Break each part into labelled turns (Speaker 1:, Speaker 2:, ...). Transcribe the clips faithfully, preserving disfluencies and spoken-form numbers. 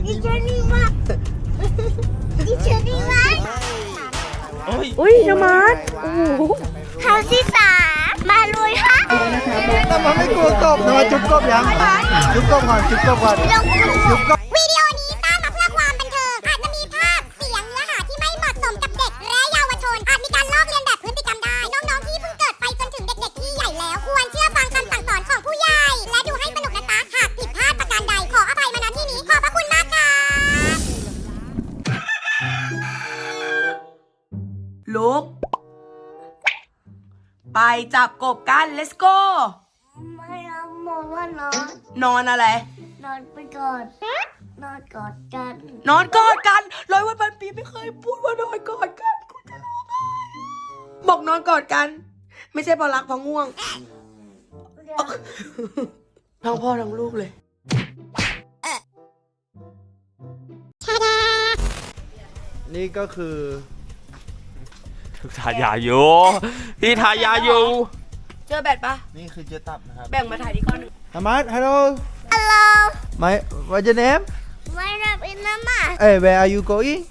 Speaker 1: ดิฉันนี่ว่าดิฉันนี่ว่า
Speaker 2: อุ้ยน้ำมันโอ้โห
Speaker 1: เท้าที่สามมาลุยฮะ
Speaker 3: แต่มันไม่กลัวกบนะมาจุ๊บกบยังจุ๊บกบก่อนจุ๊บกบก่อนจุ๊บกบ
Speaker 1: วิดีโอนี้สร้างมาเพื่อความบันเทิงอาจจะมีภาพเสียงเนื้อหาที่ไม่เหมาะสมกับเด็กและเยาวชนอาจมีการลอกเลียนแบบพฤติกรรมได้น้องๆที่เพิ่งเกิดไปจนถึงเด็กๆที่ใหญ่แล้วควรเชื่อฟังคำสั่งสอนของผู้ใหญ่และดูให้สนุกนะจ๊ะหากผิดพลาดประการใดขออภัยมาณที่นี้ขอบพระคุณมากค่ะ
Speaker 2: ลุกไปจับกบกัน let's go
Speaker 1: ไม่เอามองว่านอน
Speaker 2: นอนอะไร
Speaker 1: นอนไปก่อนนอนกอดกัน
Speaker 2: นอนกอดกันร้อยวันพันปีไม่เคยพูดว่านอนกอดกันกูจะร้องไห้บอกนอนกอดกัน ไม่ใช่เพราะรักเพราะง่วง ทั้งพ่อทั้งลูกเลย
Speaker 3: นี่ก็คือ
Speaker 4: ทายาอยู่พี่ทายาอยู่
Speaker 2: เจอแบตปะ
Speaker 3: นี่คือเจตับนะครับ
Speaker 2: แบ่งมาถ่ายที่ก้อนหนึ่ง
Speaker 3: อามาร์ฮัลโหล
Speaker 1: Hello
Speaker 3: my what's your name
Speaker 1: my name is Mama
Speaker 3: hey where are you going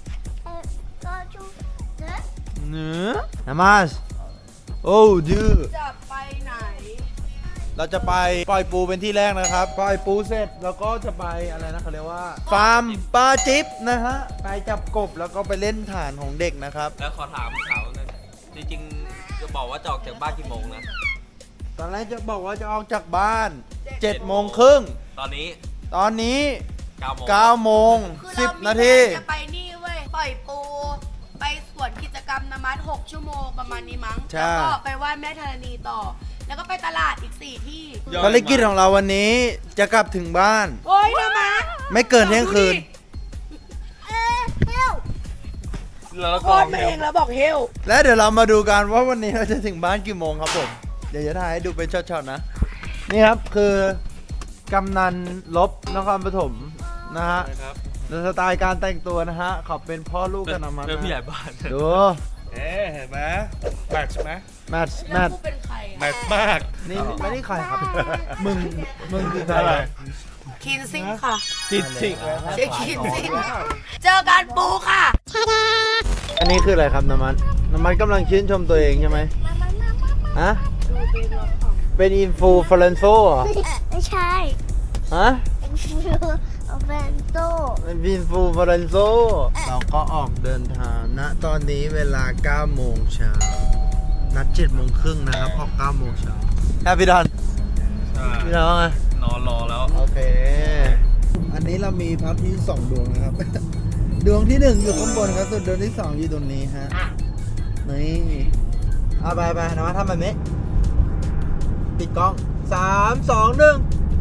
Speaker 1: go to the
Speaker 3: เนื้ออามาร์โอ้ดื้อ
Speaker 2: จะไปไหน
Speaker 3: เราจะไปปล่อยปูเป็นที่แรกนะครับปล่อยปูเสร็จแล้วก็จะไปอะไรนะเขาเรียกว่าฟาร์มปลาจิ๊บนะฮะไปจับกบแล้วก็ไปเล่นฐานของเด็กนะครับ
Speaker 4: แล้วขอถามข่าวหนึงจริงๆจะบอกว่าจะออกจากบ้านกี่โมงนะ
Speaker 3: ตอนแรกจะบอกว่าจะออกจากบ้านเจ็ดโมงครึ่ง
Speaker 4: ตอนนี้
Speaker 3: ตอนนี้
Speaker 4: เก้าโมง
Speaker 3: เก้าโมง
Speaker 2: คือ
Speaker 3: สิบ
Speaker 2: เรามี
Speaker 3: นาที
Speaker 2: แผจะไปนี่เว้ยปล่อยปู ไปสวนกิจกรรมนามัดหกชั่วโมงประมาณนี้มั้ง
Speaker 3: ใช่
Speaker 2: แล้วก็ไปไหว้แม่ธรณีต่อ แล้วก็ไปตลาดอีกสี่ที่
Speaker 3: ภารกิจของเราวันนี้จะกลับถึงบ้าน
Speaker 2: โอ้ยนามัด
Speaker 3: ไม่เกินเที่ยงคืน
Speaker 1: เออเฮล
Speaker 4: แล้ว
Speaker 2: โค
Speaker 4: ก็
Speaker 2: ตรมาเองแล้วบอกเฮล
Speaker 3: และเดี๋ยวเรามาดูกันว่าวันนี้เราจะถึงบ้านกี่โมงครับผม เดี๋ยวจะถ่ายให้ดูเป็นช็อตๆนะ นี่ครับคือกำนันลบนครปฐมนะฮะ
Speaker 4: ครับ
Speaker 3: ในสไตล์การแต่งตัวนะฮะเขาเป็นพ่อลูกกันนะมัน
Speaker 4: เป็นผู้ใหญ่บ้าน
Speaker 3: ดู
Speaker 4: เอ๊เห็นไหมแมทช์ไหม
Speaker 3: แมทช์แม
Speaker 2: แล้ว
Speaker 3: ทช์
Speaker 2: กูเป็นใคร
Speaker 4: แม
Speaker 2: อะ
Speaker 4: ทช์มาก
Speaker 3: นี่ไม่ได้ใครครับ มึง มึงคือใคร
Speaker 2: คินซิงค่ะ
Speaker 4: จิตจิก
Speaker 2: ใช่คินซิง เจอกันปูค่ะ
Speaker 3: อันนี้คืออะไรครับน้ำมันน้ำมันกำลังชื่นชมตัวเองใช่ไหมฮะ เป็นอินฟูฟลเรนโซเหรอ
Speaker 1: ไม่ใช่
Speaker 3: ฮะ
Speaker 1: เป็นฟิวเฟนโต
Speaker 3: เป็นอินฟูฟลเรนโซเราก็ออกเดินทางณตอนนี้เวลาเก้าโมงเช้านัดเจ็ดโมงครึ่งนะครับออกเก้าโมงเช้าแฮปปี้ดอนพี่น้องไง
Speaker 4: นอนรอแล้ว
Speaker 3: โอเค อันนี้เรามีพระอาทิตย์สองดวงนะครับ ดวงที่หนึ่งอยู่ข้างบนครับส่วนดวงที่สองอยู่ตรงนี้ฮะ นี่เอาไปไปนะมาทำแบบนี้ปิดกล้องสามสองหนึ่ง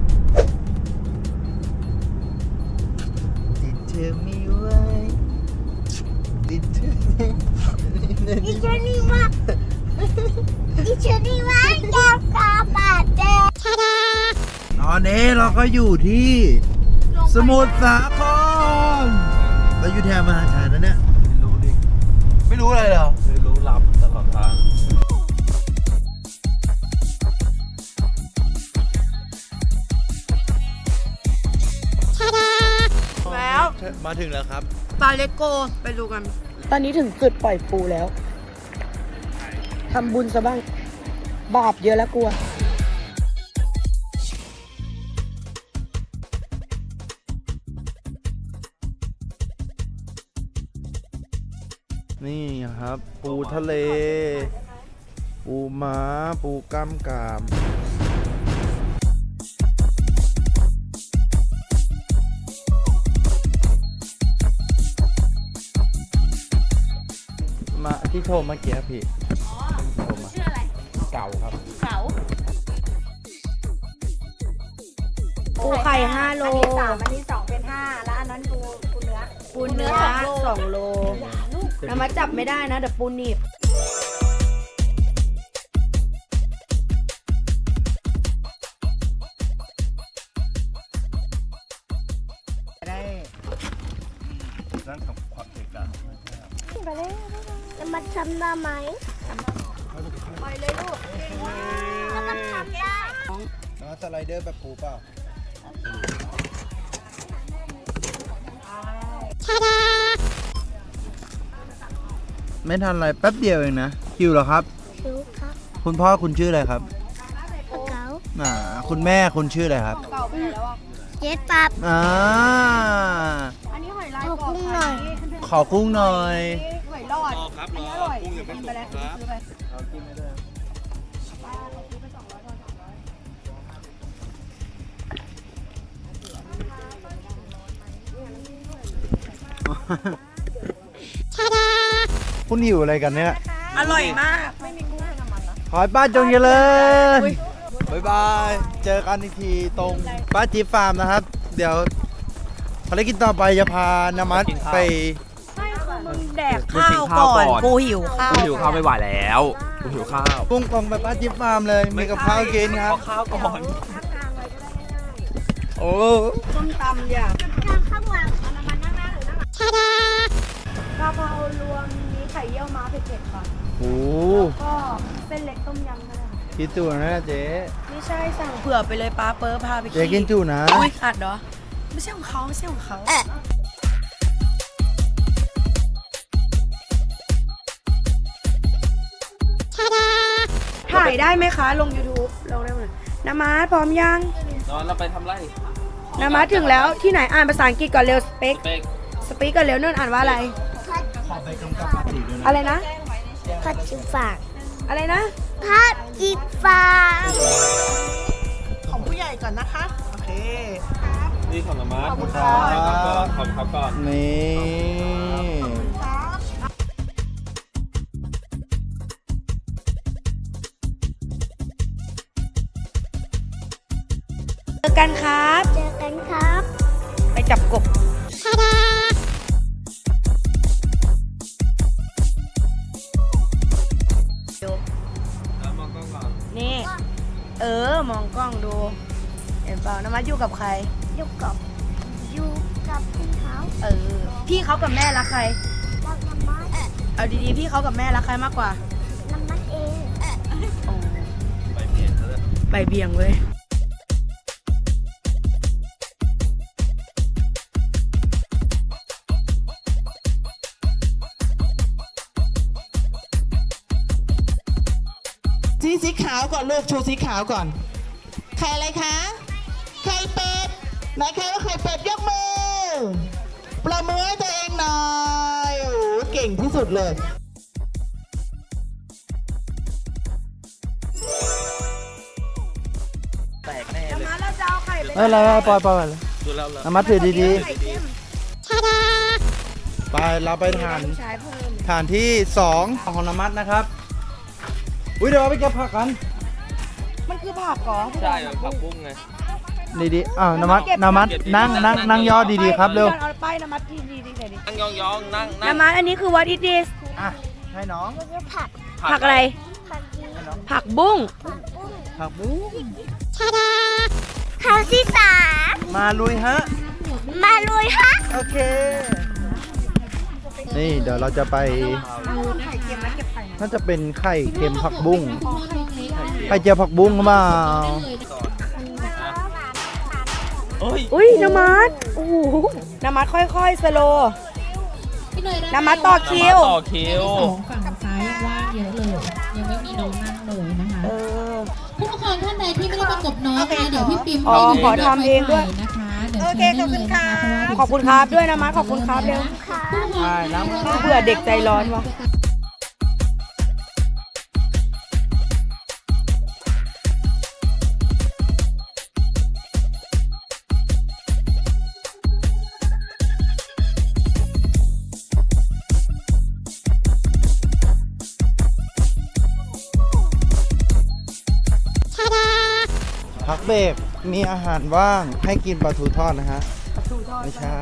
Speaker 3: ติดเธอมีไว้ติดเธอ
Speaker 1: ดิฉันนี่ว่าดิฉันนี่ว่าแก้วกาบาดแดงชาดา
Speaker 3: ตอนนี้เราก็อยู่ที่สมุทรสาครเราอยู่แถวมหาชัยนะเนี่ย
Speaker 4: ไม่รู้ดิ
Speaker 3: ไม่รู้อะไรเหรอ
Speaker 4: ไม่รู้รับตลอดทาง
Speaker 2: แล้ว
Speaker 3: มาถึงแล้วครับ
Speaker 2: ปาเลโกไปดูกัน ตอนนี้ถึงจุดปล่อยปูแล้ว ทำบุญซะบ้าง บาปเยอะแล้วกลัว
Speaker 3: นี่ครับ ปูทะเล ปูม้า ปูกล้ามกราม มาที่โทรเมื่อกี้พี่โทรมา
Speaker 2: ชื่ออะไร
Speaker 3: เก่าครับ
Speaker 2: เสาปูไข่ห้าโล
Speaker 5: อันนี้สามอันนี้สองเป็นห้าแล้วอันนั้นปูปูเนื้อ
Speaker 2: ปูเนื้อสองโลน้ำมาจับไม่ได้นะเดี๋ยวปูหนีบ
Speaker 3: ได้นั่นทำความเก่งกัน
Speaker 1: ไปเลยจะมาทำได้ไหม
Speaker 2: ปล่อยเลยลูก
Speaker 1: แล้วก็ทำได้
Speaker 3: แล้วสไลเดอร์แบบปูเปล่าไม่ทันไรแป๊บเดียวเองนะหิวเหรอครับ
Speaker 1: รู้ครับ
Speaker 3: คุณพ่อคุณชื่ออะไรครับ
Speaker 1: เก๋า
Speaker 3: อ่าคุณแม่คุณชื่ออะไรครับ
Speaker 1: เจ๊ปับ
Speaker 3: อ่า
Speaker 5: อันนี้หอยลาย
Speaker 1: ขอกุ้งหน่อย
Speaker 3: ขอกุ้งหน่อย
Speaker 5: หอยหลอดอันนี้อร่อยกินไปแล้วซื้อไป
Speaker 3: คุณหิวอะไรกันเนี่ย
Speaker 2: อร่อยมาก
Speaker 3: ขอให้ป้าจงเจริญบ๊ายบาย เจอกันอีกทีตรงป้าจี๊บฟาร์มนะครับ เดี๋ยวภารกิจต่อไปจะพานามัดไป
Speaker 2: ไม่คือมึงแดกข้าวก่อนกูหิวข้าว
Speaker 4: กูหิวข้าวไม่ไหวแล้วกูหิวข้าว
Speaker 3: พุ่งตรงไปป้าจี๊บฟาร์มเลย มีกับข้าวกินครับ
Speaker 4: ขอข้าวก่อน
Speaker 3: โอ้
Speaker 2: ส้มตำอย่า
Speaker 1: ข้าวหวาน
Speaker 5: เอาน้ำมันนั่งหน้าหรือนั่งหลัง
Speaker 1: ชาดาก
Speaker 5: ะเพรารวมมีไข่เยี่ยวม้าเผ็ดๆค่ะ
Speaker 3: โห
Speaker 5: ก็เส้นเล็กต้มยำก็ได้
Speaker 3: คิดตัวนะเจ๊
Speaker 2: ไม่ใช่สั่งเผื่อไปเลยป้าเปิ้ลพาไป
Speaker 3: เจ๊กินจุนะ
Speaker 2: อุ้ยอัดเหรอ ไม่ใช่ของเขาไม่ใช่ของเขาถ่ายได้ไหมคะ ลง YouTube ลงได้ไหมน้ำมาพร้อมยัง
Speaker 4: นอนเราไปทำไร
Speaker 2: น้ำมาถึงแล้วที่ไหนอ่านภาษาอังกฤษก่อนเร็วสเปก
Speaker 4: เป๊ก
Speaker 2: สปีกก่อนเร็วนุ่นอ่านว่าอะไร อะไรนะ
Speaker 1: ผัดจิฝาก
Speaker 2: อะไรนะ
Speaker 1: ผัดจิฝาก
Speaker 2: ของผู้ใหญ่ก่อนนะคะ โอเค
Speaker 4: นี่ของน้ำมัน
Speaker 2: ขอบคุณครับ
Speaker 4: ขอบคุณครับก่อน
Speaker 3: นี่
Speaker 2: เจอกันครับ
Speaker 1: เจอกันครับ
Speaker 2: ไปจับกบ
Speaker 1: ชาดา
Speaker 4: แล้วมองกล้องก่อน
Speaker 2: นี่ เออ มองกล้องดู เห็นเปล่าน้ำมาอยู่กับใคร
Speaker 1: อยู่กับอยู่กับพี่เขา
Speaker 2: เออ พี่เขากับแม่รักใคร
Speaker 1: เราน้ำมัน
Speaker 2: เอาดีๆ พี่เขากับแม่รักใครมากกว่า
Speaker 1: น้ำมันเอง
Speaker 2: อ๋อ
Speaker 4: ไปเปลี่ยนเลย
Speaker 2: ใบเบี่ยงเว้ย
Speaker 6: สีสีขาวก่อนลูกชูสีขาวก่อนไข่อะไรคะไข่เป็ดไหนใครว่าไข่เป็ดยกมือประมือให้ตัวเองหน่อยโอ้โหเก่งที่สุดเลย
Speaker 4: แตกแน่เลย
Speaker 2: น้ำมาแล้วจะเอาไข่ไป
Speaker 3: เอ้ยอะไรๆปล่อยปล่อยเลย
Speaker 4: ดูแล้วแล้ว
Speaker 3: นามัดถือดี
Speaker 2: ไข่เค็ม
Speaker 1: ชาดา
Speaker 3: ๆ ไปเราไปทาน
Speaker 2: ใช้เพิ่ม
Speaker 3: ฐานที่สองของนามัดนะครับ อุ้ยเดี๋ยวเราไปเก็บผักกัน
Speaker 2: มันคือผักเหรอ
Speaker 4: ใช่ผักบุ้งไง
Speaker 3: ดีๆอ้าวนามัดนามัดนั่งนั่งนั่งย่อดีๆครับเร็ว
Speaker 2: เอาป้ายน้ำมัดที่ดีๆหน่อยดิ
Speaker 4: นั่งยองๆนั่งนั่ง
Speaker 2: น้ำมัดอันนี้คือ what is this
Speaker 3: อ่ะ ให้น้อง
Speaker 1: คือผัด
Speaker 2: ผักอะไร
Speaker 1: ผัดดี
Speaker 2: ผักบุ้ง
Speaker 1: ผัดบุ้ง
Speaker 3: ผักบุ้ง
Speaker 1: ชาดาเขาที่สาม
Speaker 3: มาลุยฮะ
Speaker 1: มาลุยฮะ
Speaker 3: โอเค นี่เดี๋ยวเราจะไป
Speaker 2: ไข่เค็มนะเก็บไข่
Speaker 3: น่าจะเป็นไข่เค็มผักบุ้งไข่เจียวผักบุ้งหรือเปล่า
Speaker 4: เอ้ย
Speaker 2: อุ้ยน้ำมัดโอ้โหน้ำมัดค่อยๆสโลน้ำมัดต่อคิว
Speaker 4: ต่อคิว
Speaker 7: สองฝั่งซ้ายยังว่างเยอะเลย ยังไม่มีน้องนั่งเลยนะคะ
Speaker 2: เออ
Speaker 7: ผู้ปกครองท่านใดที่ไม่ได้ประกบน้องนะเดี๋ยวพี่ปิม
Speaker 2: อ๋อ
Speaker 7: ให้ดู
Speaker 2: ขอทำเองด้วย
Speaker 7: นะคะเดี๋ยวเชิญได้เลยนะคะเพราะว่า
Speaker 2: ขอบคุณครับด้วยนะมัดขอบคุณครับเร็ว
Speaker 3: ใช่น้ำ
Speaker 2: เผื่อเด็กใจร้อนวะ
Speaker 1: ชาดา
Speaker 3: พักเบรกมีอาหารว่างให้กินปลาทูทอดนะฮะ ไม่ใช่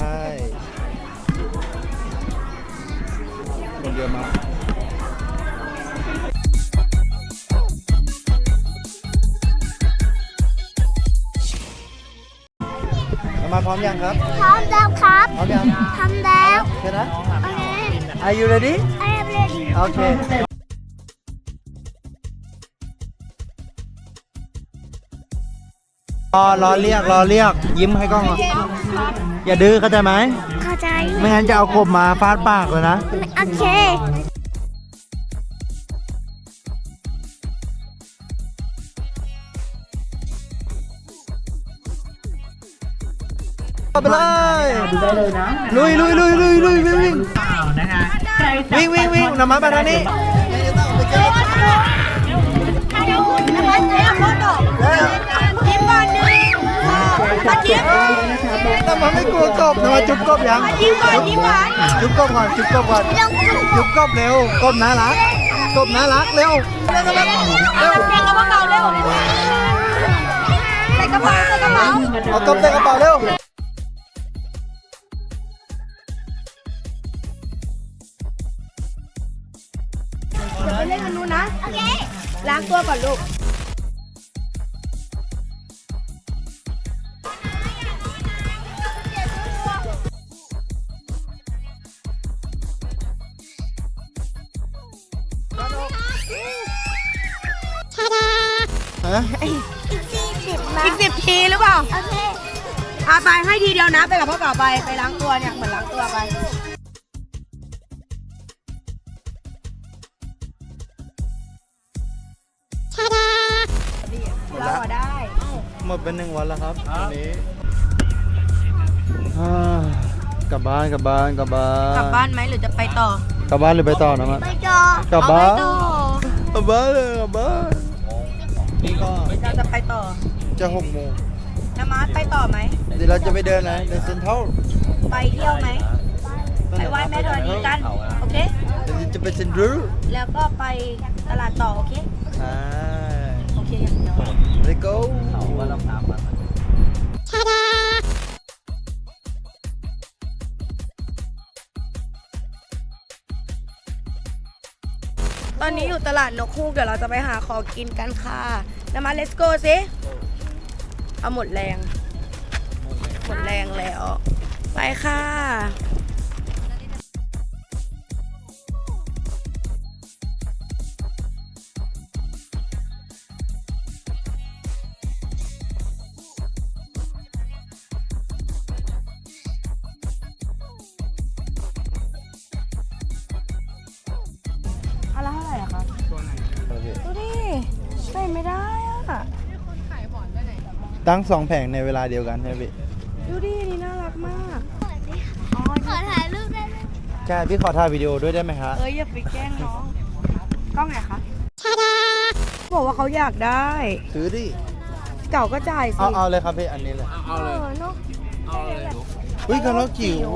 Speaker 3: คนเยอะมากเรามาพร้อมยังครับ
Speaker 1: พร้อมแล้วครับ
Speaker 3: พร้อมยัง
Speaker 1: ทำแล้ว
Speaker 3: ใช่นะ
Speaker 1: โอเค
Speaker 3: Are you ready
Speaker 1: I am ready
Speaker 3: โอเค รอรอเรียกรอเรียก ยิ้มให้กล้องอ่ะอย่าดื้อเข้าใจไหม
Speaker 1: เข้าใจ
Speaker 3: ไม่งั้นจะเอากบมาฟาดปากเลยนะ
Speaker 1: โอเค
Speaker 3: ไปเลย
Speaker 6: ดูได้เลยนะ
Speaker 3: ลุยลุยลุยลุยลุยวิ่งวิ่ง
Speaker 6: เปล่านะคะใครจะ
Speaker 3: วิ่งวิ่งวิ่งนำมาไปทางนี้นำมาไม่กลัวกบนำมาจุ๊บกบยังจุ๊บก่อนจุ๊บกบก่อนจุ๊บกบก่อนจุ๊บกบเร็วกบน่ารักกบน่ารักเร็วเร็วเร็วเร็ว
Speaker 2: ใส่กระเป๋าเร็วใส่กระเป๋าใส่กระเป๋า
Speaker 3: เอากบใส่กระเป๋าเร็ว
Speaker 2: เดี๋ยวไปเล่นกันนู้นนะ โอเค ล้างตัวก่อนลูก
Speaker 3: ฮะ
Speaker 2: อีกสิบทีหรือเปล่า โอเคอาไปให้ทีเดียวนะ ไปกับพ่อเก่าไป ไปล้างตัวเนี่ย เหมือนล้างตัวไป เราอะได้
Speaker 3: หมดเป็นหนึ่งวันแล้วครับวันนี้อ่ากลับบ้านกลับบ้านกลับบ้าน
Speaker 2: กลับบ้านไหมหรือจะไปต่อ
Speaker 3: กลับบ้านหรือไปต่อนะมั้ย
Speaker 2: ไปต่อก
Speaker 3: ลับบ้าน
Speaker 2: เอไปต่อก
Speaker 3: ลับบ้านเลยกลับบ้านนี่ก็
Speaker 2: เราจะไปต่อ
Speaker 3: จะหกโมง
Speaker 2: น้ำมาไปต่อไหม
Speaker 3: เดี๋ยวเราจะไปเดินนะเดินเซ็นทรัล
Speaker 2: ไปเที่ยวไหม ไปไหว้แม่ธรณีกัน โอเค
Speaker 3: เดี๋ยวจะไปเซ็นทรัล
Speaker 2: แล้วก็ไปตลาดต่อ โอเค
Speaker 3: อ่า
Speaker 2: โอเคอย่างเดียว
Speaker 3: let's go
Speaker 2: ตอนนี้อยู่ตลาดนกฮูก เดี๋ยวเราจะไปหาของกินกันค่ะน้ำมา let's go สิ เอาหมดแรง หมดแรงแล้ว ไปค่ะ อะไรเท่าไหร่อะคะดูดิใส่ไม่ได้อะ
Speaker 3: ตั้งสองแผงในเวลาเดียวกันใช่ไหมพี่
Speaker 2: ดูดินี่น่ารักมาก
Speaker 1: ขอถ่ายรูปได้ไหม
Speaker 3: ใช่พี่ขอถ่ายวิดีโอด้วยได้ไหมคะ
Speaker 2: เอ้ยอย่าไปแกล้งน้องกล้องไหนคะบอกว่าเขาอยากได้
Speaker 3: ซื้อดิ
Speaker 2: เก่าก็จ่ายสิ
Speaker 3: เอาเอาเลยครับพี่อันนี้เลย
Speaker 2: เออเนาะ
Speaker 3: อุ้ยกระรอกจิ๋ว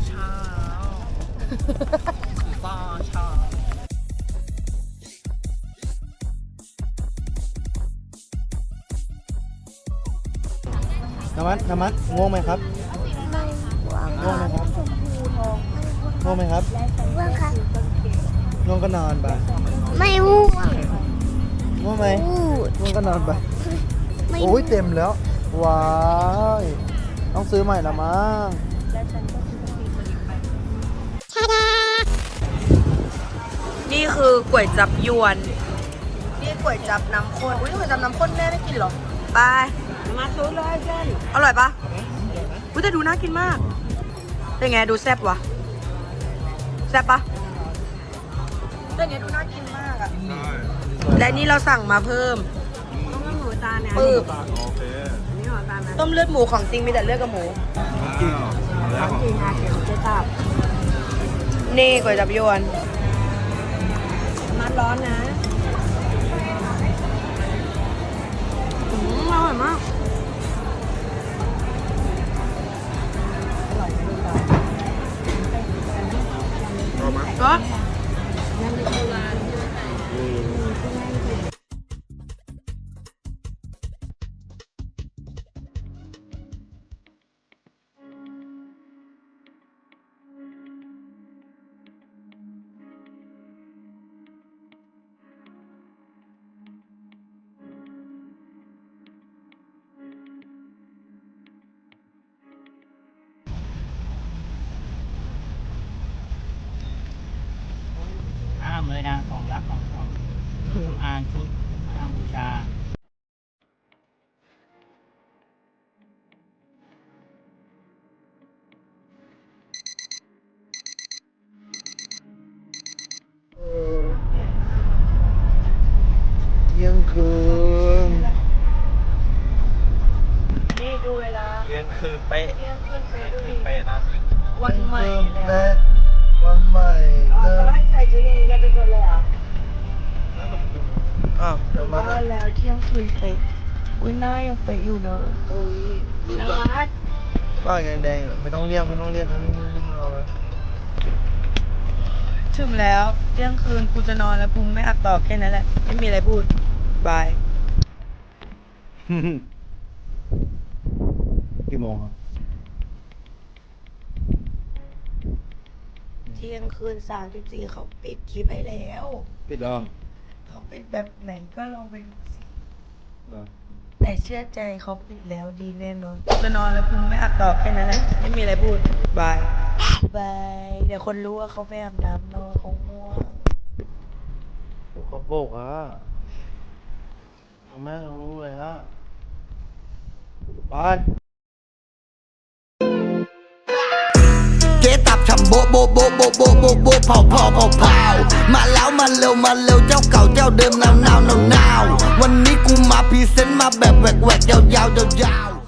Speaker 3: น้ำมันน้ำมันง่วงไหมครับง่วงไหมครับง่วงไหมครับ
Speaker 1: ว่างค่ะ
Speaker 3: ง่วงก็นอนไป
Speaker 1: ไม่ว่วง
Speaker 3: ง่วงไหม
Speaker 1: พูด
Speaker 3: ง่วงก็นอนไป
Speaker 1: ไม่
Speaker 3: โอ้ยเต็มแล้ว ว้ายต้องซื้อใหม่ละมั้ง
Speaker 2: นี่คือก๋วยจับยวน นี่ก๋วยจับน้ำข้นอุ้ยก๋วยจับน้ำข้นแม่ไม่กินเหรอ ไป มาซื้อเลยเจนอร่อยปะอุ้ยแต่ดูน่ากินมาก เป็นไงดูแซ่บวะแซ่บปะแต่เนี้ยดูน่ากินมากอะและนี่เราสั่งมาเพิ่มปึ๊บต้มเลือดหมูของจริงมีแต่เลือดกับหมูนี่ก๋วยจับยวนมันร้อนนะอืมอร่อยมากก็
Speaker 8: ห้ามเลยนะของรักของของเครื่องอ่านชุดห้ามบูชา
Speaker 3: เที่ยงคืน
Speaker 2: นี่ดูเวลา
Speaker 4: เที่ยงคืนเป๊ะ
Speaker 2: เที่ยงคืนเป๊วันใหม่แล้ว
Speaker 3: วันใหม่เริ่ม
Speaker 2: ให้ใส่ชุดนี้กันทุกคนเลยอ่ะ
Speaker 3: อ้าวเดี๋ยวมา
Speaker 2: มาแล้วเที่ยงคืนไปอุ้ยหน้ายังไปอยู่เนอะอุ้ยน่ารัก
Speaker 3: ป้าแดงๆไม่ต้องเรียกไม่ต้องเรียกนะเอาเลย
Speaker 2: ถึงแล้วเที่ยงคืนกูจะนอนแล้วกูไม่อัดต่อแค่นั้นแหละไม่มีอะไรพูดบาย
Speaker 3: กี่โมงครับ
Speaker 2: เที่ยงคืนสามสิบสี่เขาปิดคลิปให้แล้ว
Speaker 3: ปิดแล้ว
Speaker 2: เขาปิดแบบไหนก็ลองไปดูสิ
Speaker 3: เหรอ
Speaker 2: แต่เชื่อใจเขาปิดแล้วดีแน่นอนจะนอนแล้วกูไม่อัดต่อแค่นั้นแหละไม่มีอะไรพูดบายบายเดี๋ยวคนรู้ว่าเขาไปอาบน้ำนอนคงง่วง
Speaker 3: เขาโบกอ่ะแม่รู้เลยฮะไป
Speaker 9: เจ๊ตับฉ่ำโบะโบะโบะโบะโบะโบะโบะเผาเผาเผาเผามาแล้วมาเร็วมาเร็วเจ้าเก่าเจ้าเดิมนาวนาวนาวนาววันนี้กูมาพรีเซนต์มาแบบแหวกแหวกยาวยาวยาวยาว